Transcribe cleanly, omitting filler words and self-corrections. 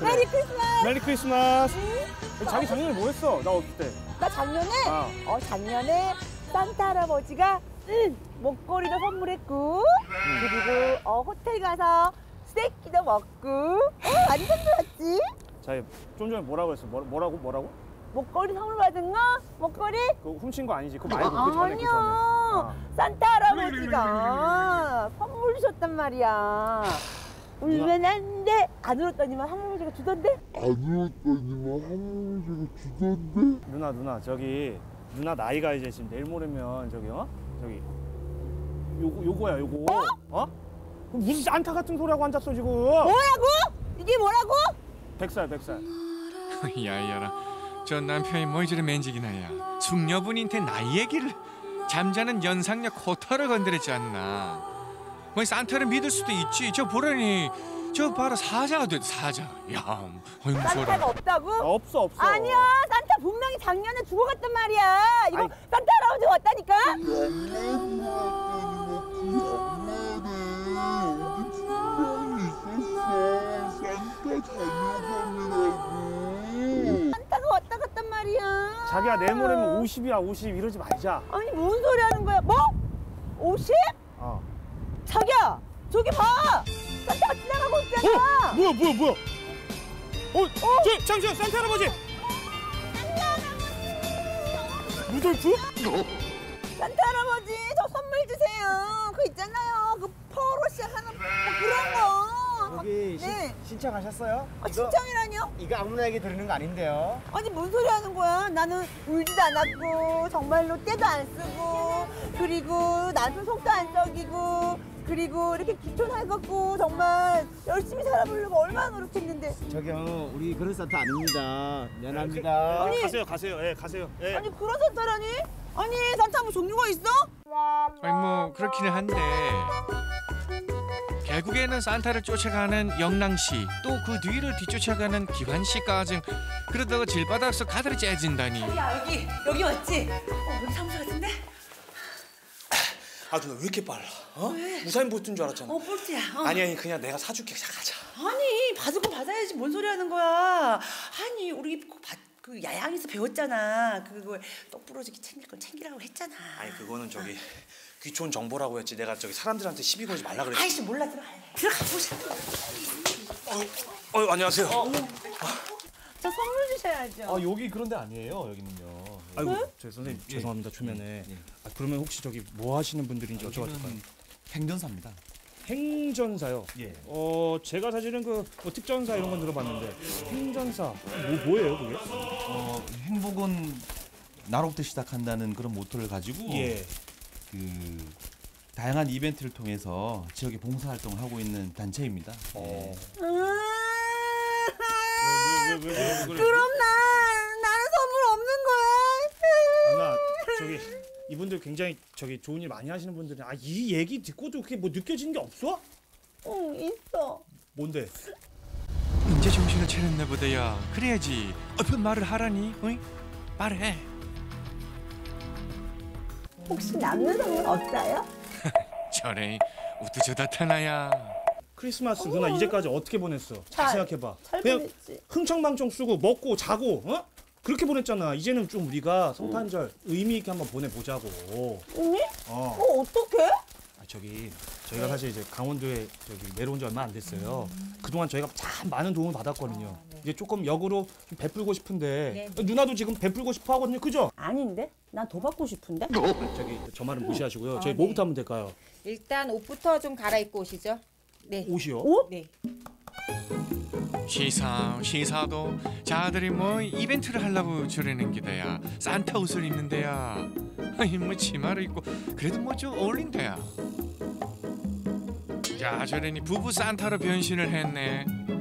메리 크리스마스. 메리 크리스마스. 자기 작년에 뭐 했어? 나 없을 때. 나 작년에 작년에 산타 할아버지가 목걸이도 선물했고 그리고 호텔 가서 스테이키도 먹고 완전 좋았지. 자기 좀 전에 뭐라고 했어? 뭐라고? 목걸이 선물 받은 거? 목걸이? 그거 훔친 거 아니지? 그거 말고 그 전에 그 전에. 아니야. 산타 할아버지가 선물 주셨단 말이야. 울면 안 돼. 안 울었더니만 할아버지가 주던데? 누나 저기 누나 나이가 이제 지금 내일 모레면 저기 저기 요거야 요거. 그럼 무슨 산타 같은 소리하고 앉았어 지금. 뭐라고? 이게 뭐라고? 100살. 야야라. 저 남편이 뭐 이저리 맨지기나야. 숙녀분한테 나이 얘기를. 잠자는 연상녀 코털을 건드렸지 않나. 뭐 산타를 믿을 수도 있지. 저 보라니. 저 봐라 사자가 됐 사자. 야, 무서워라. 산타가 없다고? 없어. 아니야. 산타 분명히 작년에 죽어갔단 말이야. 이거 산타 할아버지가 왔다니까? 산타가 왔다 갔단 말이야. 자기야 내일 모레면 50이야 50 이러지 말자. 아니 뭔 소리 하는 거야? 뭐? 50? 자기야 저기 봐. 산타가 지나가고 있잖아. 뭐야? 잠시만 산타 할아버지. 루돌프? 산타 할아버지 저 선물 주세요. 그 있잖아요. 그 퍼로 시작하는 뭐 그런 거. 여기 네. 신청하셨어요? 신청이라뇨? 이거 아무나에게 드리는 거 아닌데요. 아니 뭔 소리 하는 거야? 나는 울지도 않았고 정말로 떼도 안 쓰고 그리고 나도 속도 안 썩이고 그리고 이렇게 귀촌해갖고 정말 열심히 살아보려고 얼마나 노력했는데. 저기요, 우리 그런 산타 아닙니다. 미안합니다. 아니, 가세요. 가세요. 아니 그런 산타라니? 아니 산타 뭐 종류가 있어? 아니 뭐 그렇기는 한데 결국에는 산타를 쫓아가는 영랑씨 또 그 뒤를 뒤쫓아가는 기환씨까지 그러다가 길바닥에서 가다리 째진다니. 야 여기 맞지? 여기 사무소 같은데? 아 누나 왜 이렇게 빨라? 우사인 볼트인 줄 알았잖아. 볼트야. 아니 그냥 내가 사줄게. 가자. 아니 받을 거 받아야지 뭔 소리 하는 거야. 아니 우리 그 야양에서 배웠잖아. 그거 똑 부러지게 챙길 건 챙기라고 했잖아. 아니 그거는 저기 귀촌 정보라고 했지. 내가 저기 사람들한테 시비 걸지 말라 그랬지. 아이씨 몰라 들어가 보자. 안녕하세요. 저 선물 주셔야죠. 여기 그런 데 아니에요. 여기는요. 아이고 저 선생님 죄송합니다 초면에. 그러면 혹시 저기 뭐 하시는 분들인지 여쭤봐도 될까요? 행전사입니다. 행전사요? 예. 제가 사실은 뭐 특전사 이런 건 들어봤는데 행전사 뭐예요 그게? 행복은 나로부터 시작한다는 그런 모토를 가지고 그 다양한 이벤트를 통해서 지역에 봉사활동을 하고 있는 단체입니다. 왜 그럼 나는 선물 없는 거야. 누나 저기 이분들 굉장히 저기 좋은 일 많이 하시는 분들은 이 얘기 듣고도 그게 뭐 느껴지는 게 없어? 응 있어. 뭔데? 이제 정신을 차렸나 보다야. 그래야지. 어떤 말을 하라니? 어이? 말해. 혹시 남는 선물 없어요? 저래 우두저다 타나야. 크리스마스 누나 이제까지 어떻게 보냈어? 잘 생각해봐. 잘 그냥 보냈지. 흥청망청 쓰고 먹고 자고 그렇게 보냈잖아. 이제는 좀 우리가 성탄절 의미 있게 한번 보내보자고. 언니? 어떡해? 저희가 사실 이제 강원도에 내려온 지 얼마 안 됐어요. 그동안 저희가 참 많은 도움을 받았거든요. 이제 조금 역으로 좀 베풀고 싶은데 누나도 지금 베풀고 싶어 하거든요. 그죠? 아닌데? 난 더 받고 싶은데? 저 말은 무시하시고요. 저희 뭐부터 하면 될까요? 일단 옷부터 좀 갈아입고 오시죠. 네. 옷이요? 옷? 네. 시사도 자들이 뭐 이벤트를 하려고 저러는 기다야. 산타 옷을 입는데야. 아니 뭐 치마를 입고 그래도 뭐 좀 어울린다야. 자 저러니 부부 산타로 변신을 했네.